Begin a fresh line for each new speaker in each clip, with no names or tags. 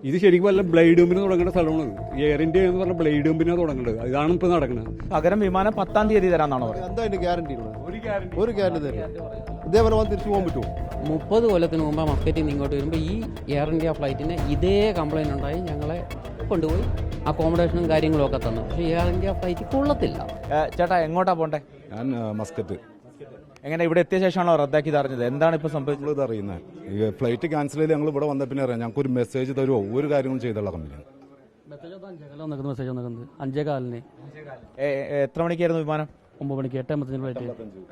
ഇത് ശരിക്കും വല്ല ബ്ലേഡ് കമ്പനി തുടങ്ങേണ്ട സ്ഥലമാണ്. എയർ ഇന്ത്യ എന്ന് പറഞ്ഞ ബ്ലേഡ് കമ്പനിയാണ് തുടങ്ങേണ്ടത്. ഇതാണ് ഇപ്പോൾ നടക്കുന്നത്.
പകരം വിമാനം 10-ാം തീയതി തരാമെന്നാണോ പറയുന്നത്?
എന്താ അതിന്റെ ഗ്യാരണ്ടി? ഒരു ഗ്യാരണ്ടി തരില്ല. ഇതേപോലെ വന്ന് തിരിച്ചു പോകാൻ പറ്റുമോ?
30 കൊല്ലത്തിന് മുമ്പ് മസ്കറ്റിൽ നിന്ന് ഇങ്ങോട്ട് വരുമ്പോൾ ഈ എയർ ഇന്ത്യ ഫ്ലൈറ്റിന് ഇതേ കംപ്ലൈൻറ്റ് ഉണ്ടായി. ഞങ്ങളെ കൊണ്ടുപോയി അക്കോമഡേഷനും കാര്യങ്ങളും ഒക്കെ തന്നു. പക്ഷേ എയർ ഇന്ത്യ ഫ്ലൈറ്റ് കൊള്ളത്തില്ല.
ചേട്ടാ എങ്ങോട്ടാ പോണ്ടേ?
ഞാൻ മസ്കറ്റ്.
എങ്ങനെ ഇവിടെ എത്തിയ ശേഷമാണോ റദ്ദാക്കി അറിഞ്ഞത്? എന്താണ് ഇപ്പോൾ സംഭവിച്ചത്?
ഇത് അറിയുന്നത് ഈ ഫ്ലൈറ്റ് ക്യാൻസൽ ചെയ്ത് ഞങ്ങൾ ഇവിടെ വന്ന പിന്നെ അറിയാം. ഞങ്ങൾക്ക് ഒരു മെസ്സേജ് തരുമോ? ഒരു കാര്യങ്ങളും ചെയ്തുള്ള കമ്പനിയാണ്.
മെസ്സേജ് വന്നിരിക്കുന്നത് 5:15.
എത്ര മണിക്കായിരുന്നു വിമാനം?
9 മണിക്ക് 8:55 ഫ്ലൈറ്റ്.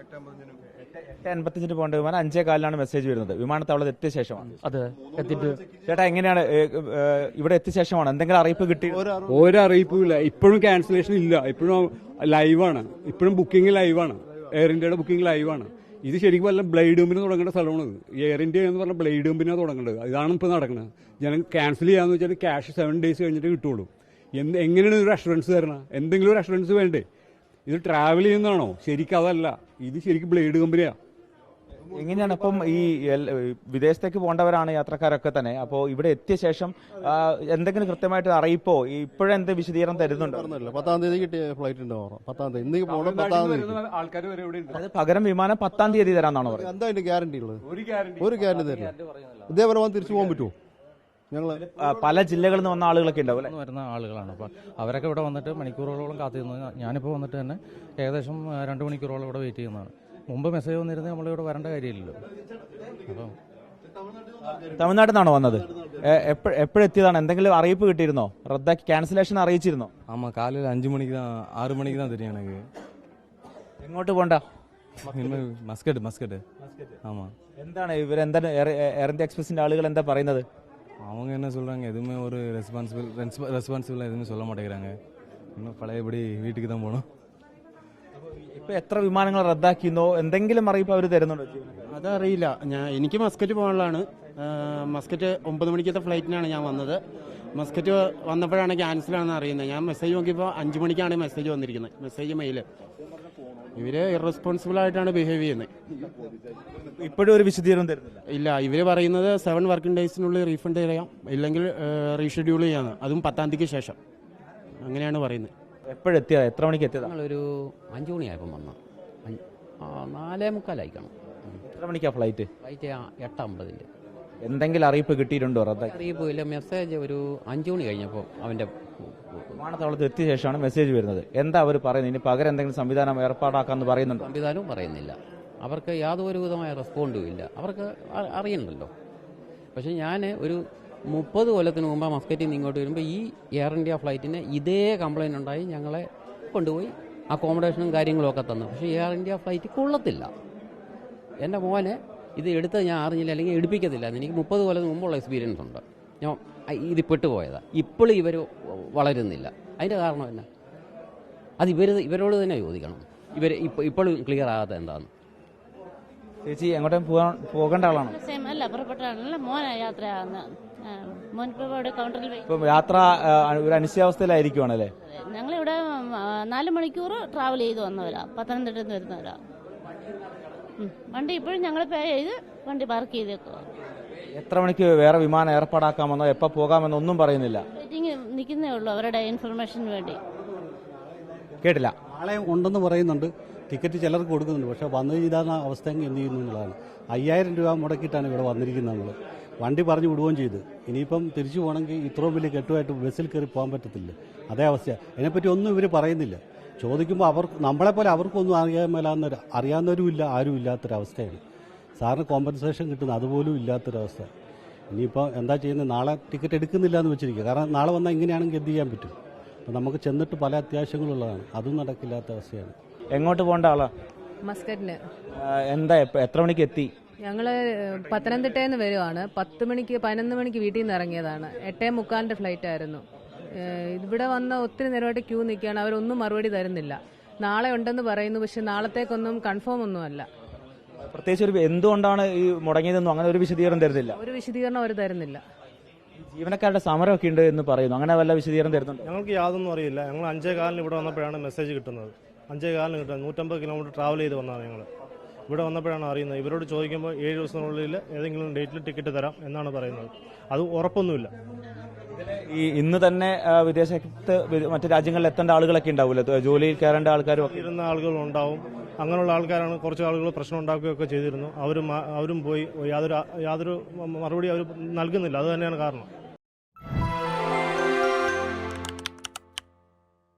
8:55 പോകേണ്ട വിമാനം 5:15 മെസ്സേജ് വരുന്നത്. വിമാനത്താവളത്തിൽ എത്തിയ ശേഷമാണ്.
അതെ, എത്തിയിട്ട്
ചേട്ടാ എങ്ങനെയാണ് ഇവിടെ എത്തിയ ശേഷമാണ് എന്തെങ്കിലും അറിയിപ്പ് കിട്ടി?
ഒരു അറിയിപ്പും ഇല്ല. ഇപ്പോഴും ക്യാൻസലേഷൻ ഇല്ല. ഇപ്പോഴും ലൈവാണ്. ഇപ്പോഴും ബുക്കിംഗ് ലൈവാണ്. എയർ ഇന്ത്യയുടെ ബുക്കിംഗ് ലൈവാണ്. ഇത് ശരിക്കും വല്ല ബ്ലേഡ് കമ്പനി തുടങ്ങേണ്ട സ്ഥലമാണ്. എയർ ഇന്ത്യ എന്ന് പറഞ്ഞ ബ്ലേഡ് കമ്പനിയാണ് തുടങ്ങേണ്ടത്. ഇതാണ് ഇപ്പോൾ നടക്കുന്നത്. ജനം ക്യാൻസൽ ചെയ്യാന്ന് വെച്ചാൽ ക്യാഷ് 7 ഡേയ്സ് കഴിഞ്ഞിട്ട് കിട്ടുള്ളൂ. എങ്ങനെയാണ് ഒരു അഷുറൻസ് തരണം? എന്തെങ്കിലും ഒരു അഷുറൻസ് വേണ്ടേ? ഇത് ട്രാവൽ ചെയ്യുന്നതാണോ? ശരിക്കും അതല്ല. ഇത് ശരിക്കും ബ്ലേഡ് കമ്പനിയാണ്.
എങ്ങനെയാണ് അപ്പം ഈ വിദേശത്തേക്ക് പോകേണ്ടവരാണ് യാത്രക്കാരൊക്കെ തന്നെ. അപ്പോൾ ഇവിടെ എത്തിയ ശേഷം എന്തെങ്കിലും കൃത്യമായിട്ട് അറിയിപ്പോ ഇപ്പോഴെന്ത് വിശദീകരണം തരുന്നുണ്ടോ?
10-ാം തീയതി കിട്ടിയ ഫ്ലൈറ്റ് ഉണ്ടാവും. 10-ാം തീയതി ഇന്ന് പോകണം. 10-ാം തീയതി
ആൾക്കാർ വരെ ഇവിടെ ഉണ്ട്.
അത് പകരം വിമാനം 10-ാം തീയതി തരാമെന്നാണോ പറയുന്നത്?
എന്താ അതിന്റെ ഗ്യാരണ്ടി ഉള്ളത്?
ഒരു
ഗ്യാരണ്ടി തരില്ല. ഇതേപോലെ വന്ന് തിരിച്ചു പോകാൻ പറ്റുമോ? ഞങ്ങൾ
പല ജില്ലകളിൽ നിന്ന് വന്ന ആളുകളൊക്കെ ഉണ്ടാവും അല്ലേ?
വരുന്ന ആളുകളാണ്. അപ്പോൾ അവരൊക്കെ ഇവിടെ വന്നിട്ട് മണിക്കൂറുകളോളം കാത്തിരുന്നത്. ഞാനിപ്പോൾ വന്നിട്ട് തന്നെ ഏകദേശം 2 മണിക്കൂറോളം ഇവിടെ വെയിറ്റ് ചെയ്യുന്നതാണ്. മുമ്പ് മെസ്സേജ് വന്നിരുന്നത് നമ്മളിവിടെ വരേണ്ട കാര്യമില്ലല്ലോ. അപ്പം
തമിഴ്നാട്ടിൽ നിന്നാണോ വന്നത്? എപ്പോഴെത്തിയതാണ്? എന്തെങ്കിലും അറിയിപ്പ് കിട്ടിയിരുന്നോ? റദ്ദാക്കി ക്യാൻസലേഷൻ അറിയിച്ചിരുന്നോ?
ஆமாம், காலையில் 5 மணிக்கு தான் 6 மணிக்கு தான் தெரியும் எனக்கு.
എങ്ങോട്ട് പോണ്ട?
இனிமேல் மஸ்கட். ஆமாம்.
എന്താണ് ഇവരെന്താണ് എയർ ഇന്ത്യ എക്സ്പ്രസിന്റെ ആളുകൾ എന്താ പറയുന്നത്?
அவங்க என்ன சொல்கிறாங்க, எதுவுமே ஒரு ரெஸ்பான்சிபிளாக எதுவுமே சொல்ல மாட்டேங்கிறாங்க. இன்னும் பழையபடி வீட்டுக்கு தான் போகணும்.
ഇപ്പൊ എത്ര വിമാനങ്ങൾ റദ്ദാക്കിയെന്നോ എന്തെങ്കിലും അറിയിപ്പ് അവർ തരുന്നുണ്ടോ?
അതറിയില്ല. എനിക്ക് മസ്കറ്റ് പോകാനുള്ളതാണ്. മസ്കറ്റ് 9 മണിക്കത്തെ ഫ്ലൈറ്റിനാണ് ഞാൻ വന്നത്. മസ്കറ്റ് വന്നപ്പോഴാണ് ക്യാൻസലാണെന്ന് അറിയുന്നത്. ഞാൻ മെസ്സേജ് നോക്കിയപ്പോൾ 5 മണിക്കാണ് മെസ്സേജ് വന്നിരിക്കുന്നത്. Message mail. ഇവര് ഇറസ്പോൺസിബിൾ ആയിട്ടാണ് ബിഹേവ് ചെയ്യുന്നത്.
ഇപ്പോഴും ഒരു വിശദീകരണം തരുന്നില്ല.
ഇല്ല, ഇവര് പറയുന്നത് 7 വർക്കിംഗ് ഡേയ്സിനുള്ളിൽ റീഫണ്ട് ചെയ്യാം, ഇല്ലെങ്കിൽ റീഷെഡ്യൂൾ ചെയ്യാന്ന്. അതും 10-ാം തീയതിക്ക് ശേഷം. അങ്ങനെയാണ് പറയുന്നത്.
എപ്പോഴെത്തിയതാ? എത്ര മണിക്ക് എത്തിയതാ?
ഞങ്ങളൊരു 5 മണിയായപ്പം വന്നു. 4:45
എത്ര മണിക്കാ ഫ്ലൈറ്റ്?
ഫ്ലൈറ്റ് 8:50.
എന്തെങ്കിലും അറിയിപ്പ് കിട്ടിയിട്ടുണ്ടോ? റദ്ദാക്കി
അറിയിപ്പില്ല. മെസ്സേജ് ഒരു 5 മണി കഴിഞ്ഞപ്പോൾ അവൻ്റെ
വിമാനത്താവളത്തിൽ എത്തിയ ശേഷമാണ് മെസ്സേജ് വരുന്നത്. എന്താ അവർ പറയുന്നത്? ഇനി പകരം എന്തെങ്കിലും സംവിധാനം ഏർപ്പാടാക്കാന്ന് പറയുന്നുണ്ടോ?
സംവിധാനവും പറയുന്നില്ല. അവർക്ക് യാതൊരു വിധമായ റെസ്പോണ്ടും ഇല്ല. അവർക്ക് അറിയണ്ടല്ലോ. പക്ഷേ ഞാൻ ഒരു 30 കൊല്ലത്തിന് മുമ്പ് മസ്കറ്റിൽ നിന്ന് ഇങ്ങോട്ട് വരുമ്പോൾ ഈ എയർ ഇന്ത്യ ഫ്ലൈറ്റിന് ഇതേ കംപ്ലൈൻറ്റ് ഉണ്ടായി. ഞങ്ങളെ കൊണ്ടുപോയി അക്കോമഡേഷനും കാര്യങ്ങളും ഒക്കെ തന്നു. പക്ഷേ എയർ ഇന്ത്യ ഫ്ലൈറ്റ് കൊള്ളത്തില്ല. എൻ്റെ മോനെ ഇത് എടുത്ത് ഞാൻ അറിഞ്ഞില്ല, അല്ലെങ്കിൽ എടുപ്പിക്കത്തില്ല. എനിക്ക് 30 കൊല്ലത്തിന് മുമ്പുള്ള എക്സ്പീരിയൻസ് ഉണ്ട്. ഞാൻ ഇത് പെട്ടുപോയതാണ്. ഇപ്പോഴും ഇവർ വളരുന്നില്ല. അതിൻ്റെ കാരണം എന്നാ? അത് ഇവരോട് തന്നെ ചോദിക്കണം. ഇപ്പോഴും ക്ലിയർ ആകാത്ത എന്താണെന്ന്.
ചേച്ചി എങ്ങോട്ടും പോകേണ്ട ആളാണോ?
അല്ല, പുറപ്പെട്ടാണല്ല മോനാ യാത്രയാകുന്നത്. മോനിപ്പോൾ ഇവിടെ കൗണ്ടറിൽ
ഇപ്പം യാത്ര ഒരു അനിശ്ചയാവസ്ഥയിലായിരിക്കുവാണല്ലേ?
ഞങ്ങളിവിടെ 4 മണിക്കൂർ ട്രാവൽ ചെയ്ത് വന്നവരാ. പത്തനംതിട്ടയിൽ നിന്ന് വരുന്നവരാ. വണ്ടി ഇപ്പോഴും ഞങ്ങൾ പേ ചെയ്ത് വണ്ടി പാർക്ക് ചെയ്തേക്കുക.
എത്ര മണിക്ക് വേറെ വിമാനം ഏർപ്പാടാക്കാമെന്നോ എപ്പോൾ പോകാമെന്നോ ഒന്നും പറയുന്നില്ല.
വെയിറ്റിംഗ് നിൽക്കുന്നേ ഉള്ളൂ അവരുടെ ഇൻഫർമേഷന് വേണ്ടി.
കേട്ടില്ല.
നാളെ ഉണ്ടെന്ന് പറയുന്നുണ്ട്. ടിക്കറ്റ് ചിലർക്ക് കൊടുക്കുന്നുണ്ട്. പക്ഷേ വന്നു ചെയ്താൽ അവസ്ഥ എന്ത് ചെയ്യുന്നു എന്നുള്ളതാണ്. 5000 രൂപ മുടക്കിയിട്ടാണ് ഇവിടെ വന്നിരിക്കുന്നത്. നമ്മൾ വണ്ടി പറഞ്ഞു വിടുകയും ചെയ്ത് ഇനിയിപ്പം തിരിച്ചു പോകണമെങ്കിൽ ഇത്രയും വലിയ കെട്ടുമായിട്ട് ബസ്സിൽ കയറി പോകാൻ പറ്റത്തില്ല. അതേ അവസ്ഥയാണ്. അതിനെപ്പറ്റി ഒന്നും ഇവർ പറയുന്നില്ല. ചോദിക്കുമ്പോൾ നമ്മളെപ്പോലെ അവർക്കൊന്നും അറിയാവുന്നവരുമില്ല, ആരും ഇല്ലാത്തൊരവസ്ഥയാണ്. സാറിന് കോമ്പൻസേഷൻ കിട്ടുന്നത് അതുപോലും ഇല്ലാത്തൊരവസ്ഥ. ഇനിയിപ്പോൾ എന്താ ചെയ്യുന്നത്? നാളെ ടിക്കറ്റ് എടുക്കുന്നില്ല എന്ന് വെച്ചിരിക്കുക. കാരണം നാളെ വന്നാൽ ഇങ്ങനെയാണെങ്കിൽ എന്ത് ചെയ്യാൻ പറ്റും? അപ്പം നമുക്ക് ചെന്നിട്ട് പല അത്യാവശ്യങ്ങളുള്ളതാണ്. അതും നടക്കില്ലാത്ത അവസ്ഥയാണ്.
എങ്ങോട്ട് പോകേണ്ട ആളാ?
മസ്കറ്റിന്.
എന്താ എത്ര മണിക്ക് എത്തി?
ഞങ്ങള് പത്തനംതിട്ടയിൽ നിന്ന് വരുവാണ്. 11 മണിക്ക് വീട്ടിൽ നിന്ന് ഇറങ്ങിയതാണ്. 8:45 ഫ്ലൈറ്റ് ആയിരുന്നു. ഇവിടെ വന്ന് ഒത്തിരി നേരമായിട്ട് ക്യൂ നിൽക്കുകയാണ്. അവരൊന്നും മറുപടി തരുന്നില്ല. നാളെ ഉണ്ടെന്ന് പറയുന്നു, പക്ഷെ നാളത്തേക്കൊന്നും കൺഫേം ഒന്നുമല്ല.
പ്രത്യേകിച്ച് എന്തുകൊണ്ടാണ് ഈ മുടങ്ങിയതെന്നും അങ്ങനെ ഒരു വിശദീകരണം തരുന്നില്ല.
ഒരു വിശദീകരണം അവർ തരുന്നില്ല.
ജീവനക്കാരുടെ സമരമൊക്കെ ഉണ്ട് എന്ന് പറയുന്നു. അങ്ങനെ വല്ല വിശദീകരണം തരുന്നുണ്ട്?
ഞങ്ങൾക്ക് യാതൊന്നും അറിയില്ല. ഞങ്ങൾ 5:15 ഇവിടെ വന്നപ്പോഴാണ് മെസ്സേജ് കിട്ടുന്നത്. 5:15 കിട്ടുന്നത്. 150 കിലോമീറ്റർ ട്രാവൽ ചെയ്ത് വന്നതാണ് ഞങ്ങൾ. ഇവിടെ വന്നപ്പോഴാണ് അറിയുന്നത്. ഇവരോട് ചോദിക്കുമ്പോൾ 7 ദിവസത്തിനുള്ളിൽ ഏതെങ്കിലും ഡേറ്റിൽ ടിക്കറ്റ് തരാം എന്നാണ് പറയുന്നത്. അത് ഉറപ്പൊന്നുമില്ല.
ഈ ഇന്ന് തന്നെ വിദേശത്ത് മറ്റു രാജ്യങ്ങളിൽ എത്തേണ്ട ആളുകളൊക്കെ ഉണ്ടാവില്ല, ജോലിയിൽ കയറേണ്ട ആൾക്കാരും ഒക്കെ
ഇരുന്ന ആളുകളുണ്ടാവും. അങ്ങനെയുള്ള ആൾക്കാരാണ് കുറച്ച് ആളുകൾ പ്രശ്നം ഉണ്ടാക്കുകയൊക്കെ ചെയ്തിരുന്നു. അവരും പോയി യാതൊരു മറുപടി അവർ നൽകുന്നില്ല. അത് തന്നെയാണ് കാരണം.